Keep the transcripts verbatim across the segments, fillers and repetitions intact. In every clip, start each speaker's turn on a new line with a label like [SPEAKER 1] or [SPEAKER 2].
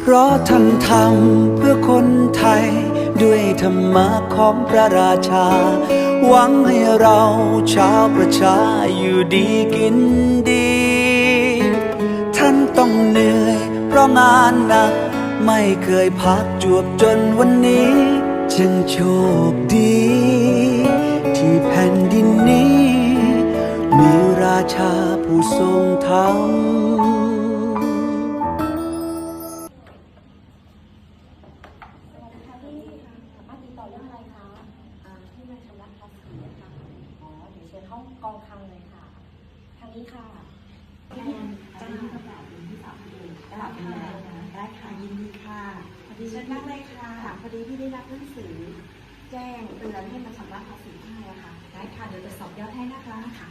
[SPEAKER 1] เพราะท่านทำเพื่อคนไทยด้วยธรรมะของพระราชาหวังให้เราชาวประชาอยู่ดีกินดีท่านต้องเหนื่อยเพราะงานหนักไม่เคยพักจวบจนวันนี้จึงโชคดีที่แผ่นดินนี้มีราชาผู้ทรงธรรม
[SPEAKER 2] ห้องกองคลังเลยค่ะทางนี้ค่ะงานจ้างประกาศเป็นที่สามเองตลาดเป็นแล้วนะได้ค่ะยินดีค่ะพอดีเชิญนั่งเลยค่ะพอดีพี่ได้รับหนังสือแจ้งเตือนให้มาชำระภาษีให้อะค่ะได้ค่ะเดี๋ยวจะสอบยอดให้นะคะค่ะ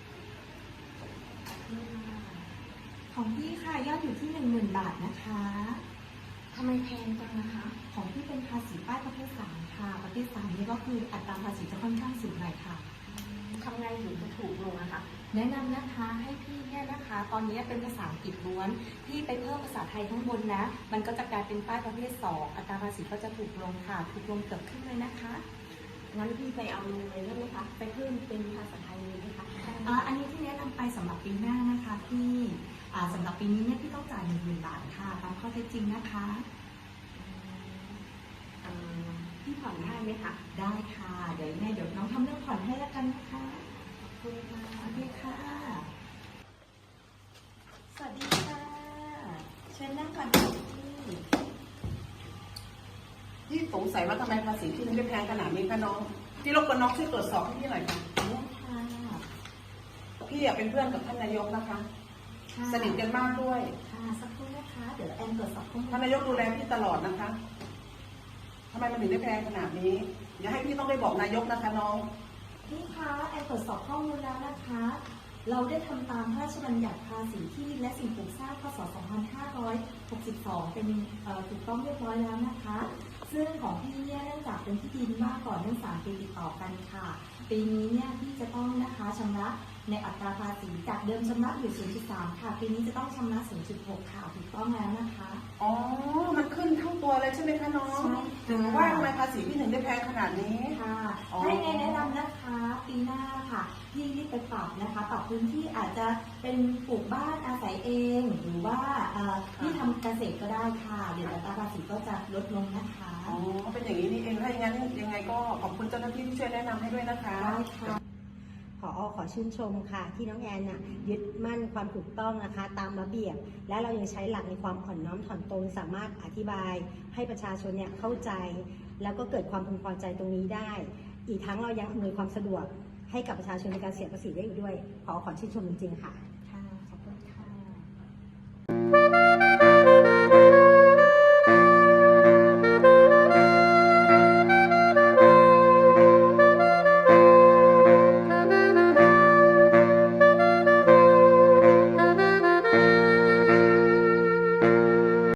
[SPEAKER 2] ของพี่ค่ะยอดอยู่ที่หนึ่งหมื่นบาทนะคะทำไมแพงจังนะคะของพี่เป็นภาษีป้ายประเภทสามค่ะประเภทสามนี่ก็คืออัตราภาษีจะค่อนข้างสูงหน่อยค่ะทำไงถึงจะถูกลงนะคะแนะนำนะคะให้พี่เนี่ยนะคะตอนนี้เป็นภาษาอังกฤษล้วนพี่ไปเพิ่มภาษาไทยข้างบนนะมันก็จะกลายเป็นป้ายประเภทสองอัตราภาษีก็จะถูกลงค่ะถูกลงเกือบครึ่งเลยนะคะงั้นพี่ไปเอาเลยได้ไหมคะไปเพิ่มเป็นภาษาไทยเลยไหมคะอ่าอันนี้ที่แนะนำไปสำหรับปีหน้านะคะพี่อ่าสำหรับปีนี้เนี่ยพี่ต้องจ่ายหนึ่งหมื่นบาทค่ะตามข้อเท็จจริงนะคะพี่ผ่อนได้ไหมคะได้ค่ะเดี๋ยวแม่เดี๋ยวน้องทำเรื่องผ่อนให้แล้วกันนะคะขอบคุณค่ะสวัสดีค่ะสวัสดีค่ะเชิญนั่งก่อนค่ะพี่
[SPEAKER 3] พี่สงสัยว่าทำไมภาษีที่มันได้แพงขนาดนี้คะน้องพี่รบกวนน้องช่วยตรวจสอบให้พี่หน่อยค่ะ
[SPEAKER 2] เนี่ยค่ะ
[SPEAKER 3] พี่อยากเป็นเพื่อนกับท่านนายกนะคะสนิทกันมากด้วย
[SPEAKER 2] ค่ะสักครู่นะคะเดี๋ยวแอนตรวจสอบข้อมูล
[SPEAKER 3] ท่านนายกดูแลพี่ตลอดนะคะทำไมมันถึงได้แพงขนาดนี้อย่าให้พี่ต้องไปบอกนายกนะคะน้อง
[SPEAKER 2] พี่คะแอนตรวจสอบข้อมูลแล้วนะคะเราได้ทำตามพระราชบัญญัติภาษีที่ดินและสิ่งปลูกสร้างพ.ศ. สองพันห้าร้อยหกสิบสองเป็นถูกต้องเรียบร้อยแล้วนะคะซึ่งของพี่เนี่ยเนื่องจากเป็นที่ดินมากก่อนเนื่องสามปีติดต่อกันค่ะปีนี้เนี่ยพี่จะต้องนะคะชำระในอัตราภาษีจากเดิมชำระอยู่ ศูนย์จุดสาม ค่ะปีนี้จะต้องชำระ ศูนย์จุดหก ค่ะถูกต้องแล้วนะคะ
[SPEAKER 3] อ๋อมันขึ้นเท่าตัวเลยใช่ไหมคะน้อง
[SPEAKER 2] ใช่
[SPEAKER 3] ถึงว่าทำไมภาษีพี่ถึงได้แพงขนาดนี้
[SPEAKER 2] ค่ะให้แนะนำนะคะปีหน้าค่ะพี่รีบไปปรับนะคะปรับพื้นที่อาจจะเป็นปลูกบ้านอาศัยเองหรือว่าที่ทำเกษตรก็ได้ค่ะเดี๋ยวอัตราภาษีก็จะลดลงนะคะ
[SPEAKER 3] อ๋อเป็นอย่างนี้นี่เองถ้าอย่างนั้นยังไงก็ขอบคุณเจ้าหน้าที่ที่ช่วยแนะนำให้ด้วยนะคะ
[SPEAKER 2] ได้ค่ะ
[SPEAKER 4] ผอ.ขอชื่นชมค่ะที่น้องแอนน่ะยึดมั่นความถูกต้องนะคะตามระเบียบและเรายังใช้หลักในความอ่อนน้อมถ่อมตนสามารถอธิบายให้ประชาชนเนี่ยเข้าใจแล้วก็เกิดความพึงพอใจตรงนี้ได้อีกทั้งเรายังอำนวยความสะดวกให้กับประชาชนในการเสียภาษีได้อีกด้วยผอ.ขอชื่นชมจริงๆค่ะ